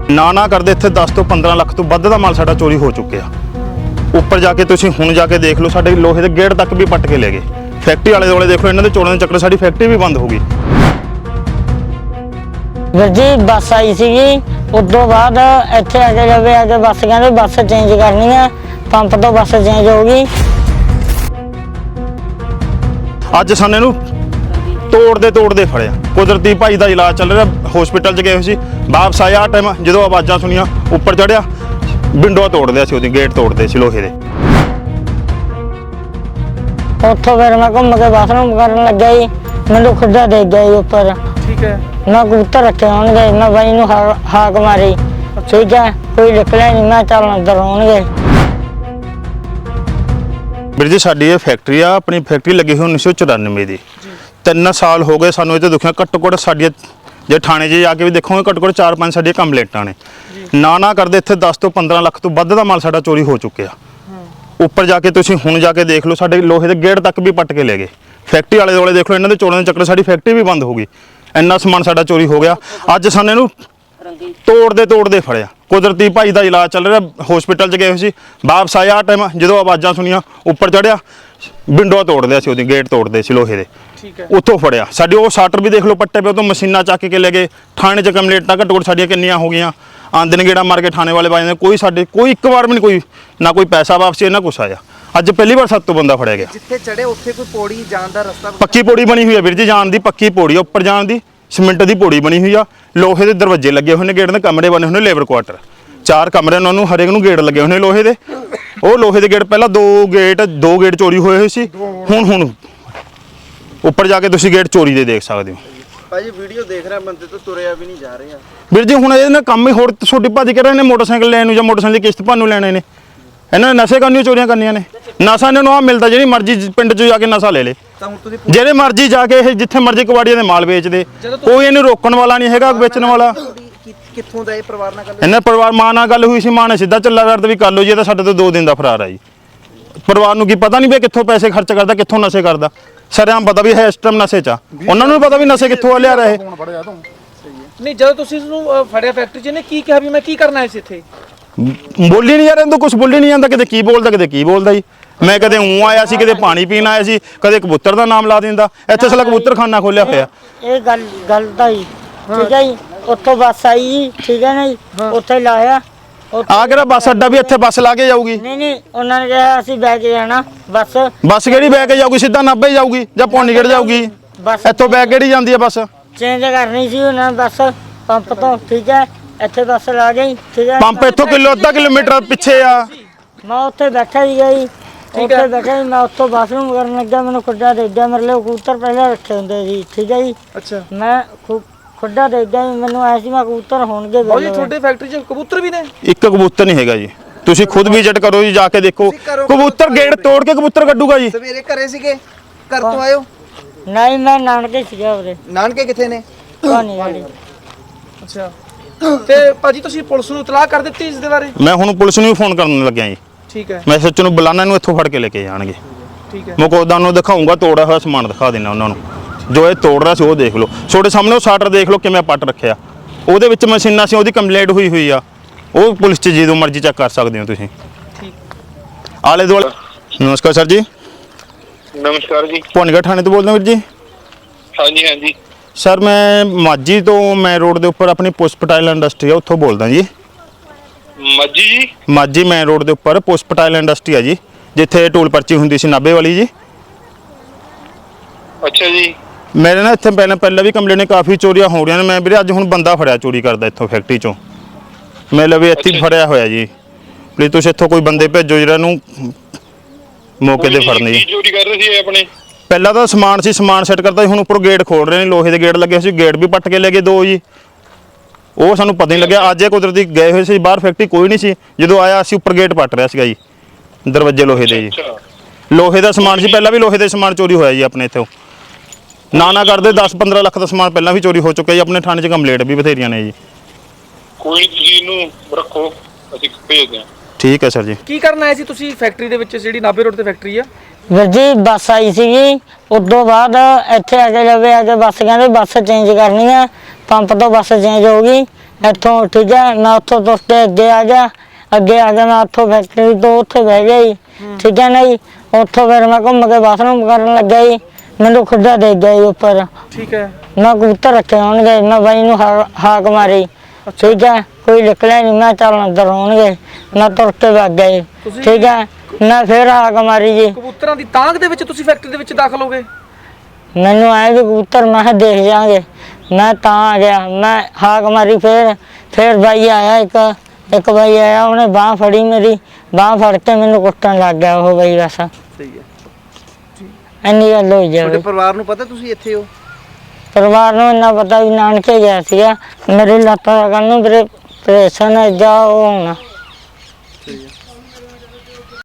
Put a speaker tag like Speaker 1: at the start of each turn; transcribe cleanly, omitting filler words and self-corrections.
Speaker 1: ਨਾ ਕਰਦੇ ਇੱਥੇ 10 ਤੋਂ 15 ਲੱਖ ਤੋਂ ਵੱਧ ਦਾ ਮਾਲ ਸਾਡਾ ਚੋਰੀ ਹੋ ਚੁੱਕਿਆ। ਉੱਪਰ ਜਾ ਕੇ ਤੁਸੀਂ ਹੁਣ ਜਾ ਕੇ ਦੇਖ ਲਓ, ਸਾਡੇ ਲੋਹੇ ਦੇ ਗੇਟ ਤੱਕ ਵੀ ਪੱਟ ਕੇ ਲੈ ਗਏ। ਫੈਕਟਰੀ ਵਾਲੇ ਦੁਆਲੇ ਦੇਖ ਲਓ, ਇਹਨਾਂ ਦੇ ਚੋਰਾਂ ਦੇ ਚੱਕਰ ਸਾਡੀ ਫੈਕਟਰੀ ਵੀ ਬੰਦ ਹੋ ਗਈ।
Speaker 2: ਵੀਰ ਜੀ ਬੱਸ ਆਈ ਸੀਗੀ, ਉਦੋਂ ਬਾਅਦ ਇੱਥੇ ਆ ਕੇ ਜਵੇ ਆ ਕੇ ਬੱਸ ਕਹਿੰਦੇ ਬੱਸ ਚੇਂਜ ਕਰਨੀ ਹੈ, ਪੰਪ ਤੋਂ ਬੱਸ ਚੇਂਜ ਹੋ ਗਈ।
Speaker 1: ਅੱਜ ਸਾਨੂੰ ਇਹਨੂੰ ਤੋੜਦੇ ਫੜਿਆ। ਕੁਦਰਤੀ ਭਾਈ ਦਾ ਇਲਾਜ ਚੱਲ ਰਿਹਾ, ਹਸਪੀਟਲ 'ਚ ਗਏ ਹੋਏ ਸੀ, ਵਾਪਸ ਆਇਆ ਟਾਈਮ ਜਦੋਂ ਆਵਾਜ਼ਾਂ ਸੁਣੀਆਂ ਉੱਪਰ ਚੜਿਆ, ਵਿੰਡੋ ਤੋੜਦੇ ਸੀ, ਉਹਦੀ ਗੇਟ ਤੋੜਦੇ ਸੀ ਲੋਹੇ ਦੇ।
Speaker 2: ਉੱਥੋਂ ਫਿਰ ਮੈਂ ਘੁੰਮ ਕੇ ਬਾਥਰੂਮ ਕਰਨ ਲੱਗਿਆ ਜੀ, ਮੈਨੂੰ ਖੁੱਡਾ ਦੇ ਗਿਆ ਜੀ ਉੱਪਰ।
Speaker 3: ਠੀਕ ਹੈ।
Speaker 2: ਮੈਂ ਕਬੂਤਰ ਰੱਖੇ ਹੋਣਗੇ, ਮੈਂ ਬਾਈ ਨੂੰ ਹਾਕ ਮਾਰੀ, ਠੀਕ ਹੈ, ਕੋਈ ਨਿਕਲਿਆ ਨਹੀਂ, ਮੈਂ ਚੱਲ ਅੰਦਰ ਹੋਣਗੇ।
Speaker 1: ਵੀਰ ਜੀ ਸਾਡੀ ਇਹ ਫੈਕਟਰੀ ਆ, ਆਪਣੀ ਫੈਕਟਰੀ ਲੱਗੀ ਹੋਈ 1994 ਦੀ। 3 ਸਾਲ ਹੋ ਗਏ ਸਾਨੂੰ ਇਹ ਤੇ ਦੁਖਿਆ। ਘੱਟੋ ਘੱਟ ਸਾਡੀਆਂ ਜੇ ਥਾਣੇ 'ਚ ਜਾ ਕੇ ਵੀ ਦੇਖੋਗੇ, ਘੱਟੋ ਘੱਟ 4-5 ਸਾਡੀਆਂ ਕੰਪਲੇਂਟਾਂ ਨੇ। ਨਾ ਕਰਦੇ ਇੱਥੇ 10 ਤੋਂ 15 ਲੱਖ ਤੋਂ ਵੱਧ ਦਾ ਮਾਲ ਸਾਡਾ ਚੋਰੀ ਹੋ ਚੁੱਕਿਆ। ਉੱਪਰ ਜਾ ਕੇ ਤੁਸੀਂ ਹੁਣ ਜਾ ਕੇ ਦੇਖ ਲਓ, ਸਾਡੇ ਲੋਹੇ ਦੇ ਗੇਟ ਤੱਕ ਵੀ ਪੱਟ ਕੇ ਲੈ ਗਏ। ਫੈਕਟਰੀ ਵਾਲੇ ਦੁਆਲੇ ਦੇਖ ਲਓ, ਇਹਨਾਂ ਦੇ ਚੋਰਾਂ ਦੇ ਚੱਕਰ ਸਾਡੀ ਫੈਕਟਰੀ ਵੀ ਬੰਦ ਹੋ ਗਈ। ਇੰਨਾ ਸਮਾਨ ਸਾਡਾ ਚੋਰੀ ਹੋ ਗਿਆ। ਅੱਜ ਸਾਨੂੰ ਇਹਨੂੰ ਤੋੜਦੇ ਫੜਿਆ। ਕੁਦਰਤੀ ਭਾਈ ਦਾ ਇਲਾਜ ਚੱਲ ਰਿਹਾ, ਹਸਪੀਟਲ 'ਚ ਗਏ ਹੋਏ ਸੀ, ਵਾਪਸ ਆਇਆ ਟਾਈਮ ਜਦੋਂ ਆਵਾਜ਼ਾਂ ਸੁਣੀਆਂ ਉੱਪਰ ਚੜਿਆ, ਵਿੰਡੋ ਤੋੜਦੇ ਸੀ, ਉਹਦੀ ਗੇਟ ਤੋੜਦੇ ਸੀ ਲੋਹੇ ਦੇ।
Speaker 3: ਠੀਕ ਹੈ।
Speaker 1: ਉੱਥੋਂ ਫੜਿਆ। ਸਾਡੇ ਉਹ ਸ਼ਟਰ ਵੀ ਦੇਖ ਲਓ ਪੱਟੇ ਪਏ, ਉਦੋਂ ਮਸ਼ੀਨਾਂ ਚੱਕ ਕੇ ਲੈ ਗਏ। ਥਾਣੇ 'ਚ ਕੰਪਲੇਂਟਾਂ ਘੱਟੋ ਘੱਟ ਸਾਡੀਆਂ ਕਿੰਨੀਆਂ ਹੋ ਗਈਆਂ। ਆਂਦੇ ਨੇ ਗੇੜਾ ਮਾਰ ਕੇ ਥਾਣੇ ਵਾਲੇ ਬਾਈ ਨੇ, ਕੋਈ ਸਾਡੇ ਕੋਈ ਇੱਕ ਵਾਰ ਵੀ ਨਹੀਂ, ਕੋਈ ਨਾ ਕੋਈ ਪੈਸਾ ਵਾਪਸੀ ਨਾ ਕੁਛ ਆਇਆ। ਅੱਜ ਪਹਿਲੀ ਵਾਰ 7 ਤੋਂ ਬੰਦਾ ਫੜਿਆ ਗਿਆ।
Speaker 3: ਜਿੱਥੇ ਚੜੇ ਉੱਥੇ ਕੋਈ ਪੌੜੀ ਜਾਣ ਦਾ ਰਸਤਾ?
Speaker 1: ਪੱਕੀ ਪੌੜੀ ਬਣੀ ਹੋਈ ਹੈ ਵੀਰ ਜੀ, ਜਾਣ ਦੀ ਪੱਕੀ ਪੌੜੀ ਆ, ਉੱਪਰ ਜਾਣ ਦੀ ਸੀਮੈਂਟ ਦੀ ਪੌੜੀ ਬਣੀ ਹੋਈ ਆ। ਲੋਹੇ ਦੇ ਦਰਵਾਜ਼ੇ ਲੱਗੇ ਹੋਏ ਨੇ, ਗੇਟ ਦੇ ਕਮਰੇ ਬਣੇ ਹੋਏ ਨੇ, ਲੇਬਰ ਕੁਆਟਰ 4 ਕਮਰੇ ਨੇ, ਉਹਨੂੰ ਹਰੇਕ ਨੂੰ ਗੇਟ ਲੱਗੇ ਹੋਏ ਨੇ ਲੋਹੇ ਦੇ। ਉਹ ਲੋਹੇ ਦੇ ਗੇਟ ਪਹਿਲਾਂ ਦੋ ਗੇਟ ਚੋਰੀ ਹੋਏ ਸੀ। ਹੁਣ ਉੱਪਰ ਜਾ ਕੇ ਤੁਸੀਂ ਗੇਟ ਚੋਰੀ ਦੇ ਦੇਖ ਸਕਦੇ ਹੋ।
Speaker 3: ਭਾਜੀ ਵੀਡੀਓ ਦੇਖ ਰਿਹਾ, ਬੰਦੇ ਤੋਂ ਤੁਰਿਆ ਵੀ ਨਹੀਂ ਜਾ ਰਿਹਾ।
Speaker 1: ਵੀਰ ਜੀ ਹੁਣ ਇਹਨੇ ਕੰਮ ਹੀ ਹੋਰ ਛੋਟੀ ਭੱਜ ਕੇ ਰਹੇ ਨੇ, ਮੋਟਰਸਾਈਕਲ ਲੈਣ ਨੂੰ ਜਾਂ ਮੋਟਰਸਾਈਕਲ ਦੀ ਕਿਸ਼ਤ ਭਰਨ ਨੂੰ ਲੈਣੇ ਨੇ। ਇਹਨਾਂ ਨੇ ਨਸ਼ੇ ਕਰਨੀ, ਚੋਰੀਆਂ ਕਰਨੀਆਂ ਨੇ। ਨਸ਼ਾ ਇਹਨਾਂ ਨੂੰ ਆ ਮਿਲਦਾ, ਜਿਹੜੀ ਮਰਜ਼ੀ ਪਿੰਡ 'ਚ ਜਾ ਕੇ ਨਸ਼ਾ ਲੈ ਲੇ, ਜਿਹੜੇ ਮਰਜ਼ੀ ਜਾ ਕੇ ਇਹ ਜਿੱਥੇ ਮਰਜ਼ੀ ਕਬਾੜੀਆਂ ਦੇ ਮਾਲ ਵੇਚਦੇ। ਕੋਈ ਇਹਨੂੰ ਰੋਕਣ ਵਾਲਾ ਨਹੀਂ ਹੈਗਾ, ਵੇਚਣ ਵਾਲਾ।
Speaker 3: ਕਿੱਥੋਂ ਦਾ ਇਹ ਪਰਿਵਾਰ ਨਾਲ ਗੱਲ?
Speaker 1: ਇਹਨਾਂ ਪਰਿਵਾਰ ਮਾਂ ਨਾਲ ਗੱਲ ਹੋਈ ਸੀ, ਮਾਂ ਨੇ ਸਿੱਧਾ ਚੱਲਾ ਕਰਦਾ ਵੀ ਕਰ ਲਓ ਜੀ, ਇਹ ਤਾਂ ਸਾਡੇ ਤੋਂ 2 ਦਿਨ ਦਾ ਫਰਾਰ ਆ ਜੀ। ਪਰਿਵਾਰ ਨੂੰ ਕੀ ਪਤਾ ਨਹੀਂ ਵੀ ਕਿੱਥੋਂ ਪੈਸੇ ਖਰਚ ਕਰਦਾ, ਕਿੱਥੋਂ ਨਸ਼ੇ ਕਰਦਾ। ਸਾਰਿਆਂ ਪਤਾ ਵੀ ਹੈ ਇਸ ਟਾਈਮ ਨਸ਼ੇ 'ਚ ਆ, ਉਹਨਾਂ ਨੂੰ ਪਤਾ ਵੀ ਨਸ਼ੇ ਕਿੱਥੋਂ ਲਿਆ ਰਹੇ।
Speaker 3: ਨਹੀਂ, ਜਦੋਂ ਤੁਸੀਂ ਇਸਨੂੰ ਫੜਿਆ ਫੈਕਟਰੀ 'ਚ, ਇਹਨੇ ਕੀ ਕਿਹਾ ਵੀ ਮੈਂ ਕੀ ਕਰਨਾ ਇਸ ਇੱਥੇ?
Speaker 1: ਬੋਲੀ ਨਹੀਂ ਯਾਰ, ਇਹਨੂੰ ਕੁਝ ਬੋਲੀ ਨਹੀਂ ਜਾਂਦਾ, ਕਿਤੇ ਕੀ ਬੋਲਦਾ ਕਿਤੇ ਕੀ ਬੋਲਦਾ ਜੀ। ਮੈਂ ਕਦੇ ਆਇਆ ਸੀ, ਕਦੇ ਪਾਣੀ ਪੀਣ ਆਇਆ ਸੀ, ਕਦੇ ਕਬੂਤਰ ਦਾ ਨਾਮ ਲਾ ਦਿੰਦਾ। ਇੱਥੇ ਸਾਲਾ ਕਬੂਤਰਖਾਨਾ ਖੋਲਿਆ ਹੋਇਆ।
Speaker 2: ਇਹ ਗੱਲ ਤਾਂ ਜੀ ਠੀਕ ਹੈ ਜੀ, ਉੱਥੋਂ ਬੱਸ ਆਈ ਜੀ, ਠੀਕ ਹੈ ਨਾ ਜੀ, ਉੱਥੇ ਲਾਇਆ।
Speaker 1: ਆ ਕਿਹੜਾ ਬੱਸ ਅੱਡਾ ਵੀ ਇੱਥੇ ਬੱਸ ਲਾ ਕੇ ਜਾਊਗੀ?
Speaker 2: ਨਹੀਂ, ਉਹਨਾਂ ਨੇ ਕਿਹਾ ਅਸੀਂ ਬੈ ਕੇ ਜਾਣਾ ਬੱਸ
Speaker 1: ਕਿਹੜੀ ਬੈ ਕੇ ਜਾਊਗੀ? ਸਿੱਧਾ ਨਾਭੇ ਜਾਊਗੀ ਜਾਂ ਪੌਂਡੀਗੜ੍ਹ ਜਾਊਗੀ? ਇੱਥੋਂ ਬੈ ਕਿਹੜੀ ਜਾਂਦੀ ਹੈ ਬੱਸ?
Speaker 2: ਚੇਂਜ ਕਰਨੀ ਸੀ ਉਹਨਾਂ ਨੇ ਬੱਸ ਪੰਪ ਤੋਂ, ਠੀਕ ਹੈ, ਇੱਥੇ ਬੱਸ ਲਾ ਗਈ, ਠੀਕ ਹੈ।
Speaker 1: ਪੰਪ ਇੱਥੋਂ ਅੱਧਾ ਕਿਲੋਮੀਟਰ ਪਿੱਛੇ ਆ।
Speaker 2: ਮੈਂ ਉੱਥੇ ਬੈਠਾ ਸੀਗਾ ਜੀ, ਉੱਥੇ ਬੈਠਾ ਸੀ, ਮੈਂ ਉੱਥੋਂ ਬਾਥਰੂਮ ਕਰਨ ਲੱਗਾ, ਮੈਨੂੰ ਖੁੱਡਾ ਦੇ ਗਿਆ। ਮੇਰੇ ਲਈ ਕਬੂਤਰ ਪਹਿਲਾਂ ਰੱਖੇ ਹੁੰਦੇ ਸੀ, ਠੀਕ ਹੈ ਜੀ।
Speaker 3: ਅੱਛਾ।
Speaker 2: ਮੈਂ ਖੁੱਡਾ ਦੇ ਗਿਆ, ਮੈਨੂੰ ਐ ਸੀ ਮੈਂ ਕਬੂਤਰ ਹੋਣਗੇ।
Speaker 3: ਬਾਈ ਜੀ ਤੁਹਾਡੇ ਫੈਕਟਰੀ 'ਚ ਕਬੂਤਰ ਵੀ ਨੇ?
Speaker 1: ਇੱਕ ਕਬੂਤਰ ਨਹੀਂ ਹੈਗਾ ਜੀ, ਤੁਸੀਂ ਖੁਦ ਵਿਜ਼ਿਟ ਕਰੋ ਜੀ, ਜਾ ਕੇ ਦੇਖੋ। ਕਬੂਤਰ ਗੇਟ ਤੋੜ ਕੇ ਕਬੂਤਰ ਕੱਢੂਗਾ ਜੀ।
Speaker 3: ਸਵੇਰੇ ਘਰੇ ਸੀਗੇ? ਘਰ ਤੋਂ ਆਇਓ?
Speaker 2: ਨਹੀਂ, ਮੈਂ ਨਾਨਕੇ ਸੀਗਾ ਉਹਦੇ।
Speaker 3: ਨਾਨਕੇ ਕਿੱਥੇ ਨੇ?
Speaker 2: ਕਹਾਣੀ ਵਾਲੀ।
Speaker 3: ਅੱਛਾ। ਤੇ ਭਾਜੀ ਤੁਸੀਂ ਪੁਲਿਸ ਨੂੰ ਇਤਲਾਹ ਕਰ ਦਿੱਤੀ ਇਸ ਦੇ ਬਾਰੇ?
Speaker 1: ਮੈਂ ਹੁਣ ਪੁਲਿਸ ਨੂੰ ਵੀ ਫੋਨ ਕਰਨ ਲੱਗਿਆ ਜੀ।
Speaker 3: ਠੀਕ ਹੈ।
Speaker 1: ਮੈਂ ਸੱਚ ਨੂੰ ਬੁਲਾਣਾ, ਨੂੰ ਇੱਥੋਂ ਫੜ ਕੇ ਲੈ ਕੇ ਜਾਣਗੇ।
Speaker 3: ਠੀਕ ਹੈ।
Speaker 1: ਮੈਂ ਕੋਦਾਂ ਨੂੰ ਦਿਖਾਊਂਗਾ, ਤੋੜਿਆ ਹੋਇਆ ਸਮਾਨ ਦਿਖਾ ਦੇਣਾ ਉਹਨਾਂ ਨੂੰ। ਜੋ ਇਹ ਤੋੜ ਰਿਹਾ ਸੀ ਉਹ ਦੇਖ ਲਓ, ਤੁਹਾਡੇ ਸਾਹਮਣੇ ਉਹ ਸ਼ਟਰ ਦੇਖ ਲਓ ਕਿਵੇਂ ਪੱਟ ਰੱਖਿਆ। ਉਹਦੇ ਵਿੱਚ ਮਸ਼ੀਨਾਂ ਸੀ, ਉਹਦੀ ਕੰਪਲੇਂਟ ਹੋਈ ਆ। ਉਹ ਪੁਲਿਸ 'ਚ ਜਦੋਂ ਮਰਜ਼ੀ ਚੈੱਕ ਕਰ ਸਕਦੇ ਹੋ ਤੁਸੀਂ।
Speaker 3: ਠੀਕ।
Speaker 1: ਆਲੇ ਦੁਆਲੇ। ਨਮਸਕਾਰ ਸਰ ਜੀ।
Speaker 4: ਨਮਸਕਾਰ ਜੀ।
Speaker 1: ਪੌਂਡੀਗੜ੍ਹ ਥਾਣੇ ਤੋਂ ਬੋਲਦਾ ਵੀਰ ਜੀ?
Speaker 4: ਹਾਂਜੀ ਹਾਂਜੀ
Speaker 1: ਸਰ ਮੈਂ ਮਾਝੀ ਤੋਂ, ਮੈਂ ਰੋਡ ਦੇ ਉੱਪਰ ਆਪਣੀ ਪੁਸਪਟਾਈਲ ਇੰਡਸਟਰੀ ਆ, ਉੱਥੋਂ ਬੋਲਦਾ ਜੀ।
Speaker 4: ਮਾਝੀ ਜੀ?
Speaker 1: ਮਾਝੀ ਮੇਨ ਰੋਡ ਦੇ ਉੱਪਰ ਪੁਸਪਟਾਈਲ ਇੰਡਸਟਰੀ ਆ ਜੀ, ਜਿੱਥੇ ਟੋਲ ਪਰਚੀ ਹੁੰਦੀ ਸੀ ਨਾਭੇ ਵਾਲੀ ਜੀ।
Speaker 4: ਅੱਛਾ ਜੀ।
Speaker 1: ਮੇਰੇ ਨਾਲ ਇੱਥੇ ਪਹਿਲਾਂ ਵੀ ਕੰਪਲੇਂਟ ਕਾਫੀ ਚੋਰੀਆਂ ਹੋ ਰਹੀਆਂ ਨੇ। ਮੈਂ ਵੀਰੇ ਅੱਜ ਹੁਣ ਬੰਦਾ ਫੜਿਆ ਚੋਰੀ ਕਰਦਾ ਇੱਥੋਂ ਫੈਕਟਰੀ 'ਚੋਂ। ਮੈਂ ਵੀ ਇੱਥੇ ਫੜਿਆ ਹੋਇਆ ਜੀ। ਪਲੀਜ਼ ਤੁਸੀਂ ਇੱਥੋਂ ਕੋਈ ਬੰਦੇ ਭੇਜੋ ਜਿਹੜਾ ਨੂੰ ਮੌਕੇ ਤੇ ਫੜਨੇ ਜੀ।
Speaker 4: ਚੋਰੀ ਕਰ ਰਹੇ ਸੀ ਆਪਣੇ?
Speaker 1: ਪਹਿਲਾਂ ਤਾਂ ਸਮਾਨ ਸੀ, ਸਮਾਨ ਸੈੱਟ ਕਰਦਾ ਸੀ, ਹੁਣ ਉੱਪਰ ਗੇਟ ਖੋਲ ਰਹੇ ਨੇ, ਲੋਹੇ ਦੇ ਗੇਟ ਲੱਗੇ ਸੀ, ਗੇਟ ਵੀ ਪੱਟ ਕੇ ਲੈ ਗਏ 2 ਜੀ। ਉਹ ਸਾਨੂੰ ਪਤਾ ਨਹੀਂ ਲੱਗਿਆ। ਅੱਜ ਇਹ ਕੁਦਰਤੀ ਗਏ ਹੋਏ ਸੀ ਬਾਹਰ, ਫੈਕਟਰੀ ਕੋਈ ਨਹੀਂ ਸੀ। ਜਦੋਂ ਆਇਆ ਅਸੀਂ ਉੱਪਰ ਗੇਟ ਪੱਟ ਰਿਹਾ ਸੀਗਾ ਜੀ, ਦਰਵਾਜ਼ੇ ਲੋਹੇ ਦੇ ਜੀ। ਲੋਹੇ ਦਾ ਸਮਾਨ ਸੀ, ਪਹਿਲਾਂ ਵੀ ਲੋਹੇ ਦੇ ਸਮਾਨ ਚੋਰੀ ਹੋਇਆ ਜੀ ਆਪਣੇ ਇੱਥੋਂ। ਨਾ ਕਰਦੇ 10-15 ਲੱਖ ਦਾ ਸਮਾਨ ਪਹਿਲਾਂ ਵੀ ਚੋਰੀ ਹੋ ਚੁੱਕਿਆ ਜੀ। ਆਪਣੇ ਥਾਣੇ 'ਚ ਕੰਪਲੇਂਟ ਵੀ ਬਥੇਰੀਆਂ ਨੇ ਜੀ।
Speaker 4: ਕੋਈ ਤੁਸੀਂ ਇਹਨੂੰ ਰੱਖੋ, ਅਸੀਂ ਭੇਜਦੇ ਹਾਂ।
Speaker 1: ਠੀਕ ਹੈ ਸਰ ਜੀ।
Speaker 3: ਕੀ ਕਰਨ ਆਏ ਸੀ ਤੁਸੀਂ ਫੈਕਟਰੀ ਦੇ ਵਿੱਚ, ਜਿਹੜੀ ਨਾਭੇ ਰੋਡ ਤੇ ਫੈਕਟਰੀ ਆ?
Speaker 2: ਵੀਰ ਜੀ ਬੱਸ ਆਈ ਸੀਗੀ, ਉਦੋਂ ਬਾਅਦ ਇੱਥੇ ਆ ਕੇ ਜਵੇ ਆ ਕੇ ਬੱਸ ਕਹਿੰਦੇ ਬੱਸ ਚੇਂਜ ਕਰਨੀ ਹੈ, ਪੰਪ ਤੋਂ ਬੱਸ ਚੇਂਜ ਹੋ ਗਈ। ਇੱਥੋਂ ਠੀਕ ਹੈ ਮੈਂ ਉੱਥੋਂ ਤੁਰ ਕੇ ਅੱਗੇ ਆ ਗਿਆ ਮੈਂ ਉੱਥੋਂ ਫੈਕਟਰੀ ਤੋਂ ਉੱਥੇ ਬਹਿ ਗਿਆ ਜੀ ਠੀਕ ਹੈ ਨਾ ਜੀ ਉੱਥੋਂ ਫਿਰ ਮੈਂ ਘੁੰਮ ਕੇ ਬਾਥਰੂਮ ਕਰਨ ਲੱਗਾ ਜੀ ਮੈਨੂੰ ਖੁੱਡਾ ਦੇ ਗਿਆ ਜੀ ਉੱਪਰ
Speaker 3: ਠੀਕ ਹੈ
Speaker 2: ਮੈਂ ਕਬੂਤਰ ਰੱਖੇ ਹੋਣਗੇ ਮੈਂ ਬਾਈ ਨੂੰ ਹਾਕ ਮਾਰੀ ਠੀਕ ਹੈ ਕੋਈ ਨਿਕਲਿਆ ਨਹੀਂ ਮੈਂ ਚੱਲ ਅੰਦਰ ਹੋਣਗੇ ਮੈਂ ਤੁਰ ਕੇ ਵਗ ਗਿਆ ਜੀ ਠੀਕ ਹੈ ਮੈਂ ਫਿਰ ਹਾਕ ਮਾਰੀ ਜੀ
Speaker 3: ਕਬੂਤਰਾਂ ਦੀ ਤਾਂਗ ਦੇ ਵਿੱਚ ਤੁਸੀਂ ਫੈਕਟਰੀ ਦੇ ਵਿੱਚ ਦਾਖਲ ਹੋ ਗਏ
Speaker 2: ਮੈਨੂੰ ਆਏ ਵੀ ਕਬੂਤਰ ਮੈਂ ਕਿਹਾ ਦੇਖ ਜਾਾਂਗੇ ਮੈਂ ਤਾਂ ਆ ਗਿਆ ਮੈਂ ਹਾਕ ਮਾਰੀ ਫਿਰ ਬਾਈ ਆਇਆ ਇੱਕ ਬਾਈ ਆਇਆ ਉਹਨੇ ਬਾਂਹ ਫੜੀ ਮੇਰੀ ਬਾਂਹ ਫੜ ਕੇ ਮੈਨੂੰ ਕੁੱਟਣ ਲੱਗ ਗਿਆ ਉਹ ਬਾਈ ਬਸ
Speaker 3: ਸਹੀ ਹੈ
Speaker 2: ਇੰਨੀ ਗੱਲ ਹੋਈ
Speaker 5: ਤੁਹਾਡੇ
Speaker 2: ਜਾਵੇ
Speaker 5: ਪਰਿਵਾਰ ਨੂੰ ਪਤਾ ਤੁਸੀਂ ਇੱਥੇ ਹੋ?
Speaker 2: ਪਰਿਵਾਰ ਨੂੰ ਇੰਨਾ ਪਤਾ ਵੀ ਨਾਨਕੇ ਗਿਆ ਸੀਗਾ ਮੇਰੀ ਲੱਤਾਂ ਦਾ ਕੰਨ ਨੂੰ ਪ੍ਰੇਸ਼ਨ ਹੈ ਜਾ ਉਹ ਹੋਣਾ
Speaker 5: ਸਹੀ ਹੈ।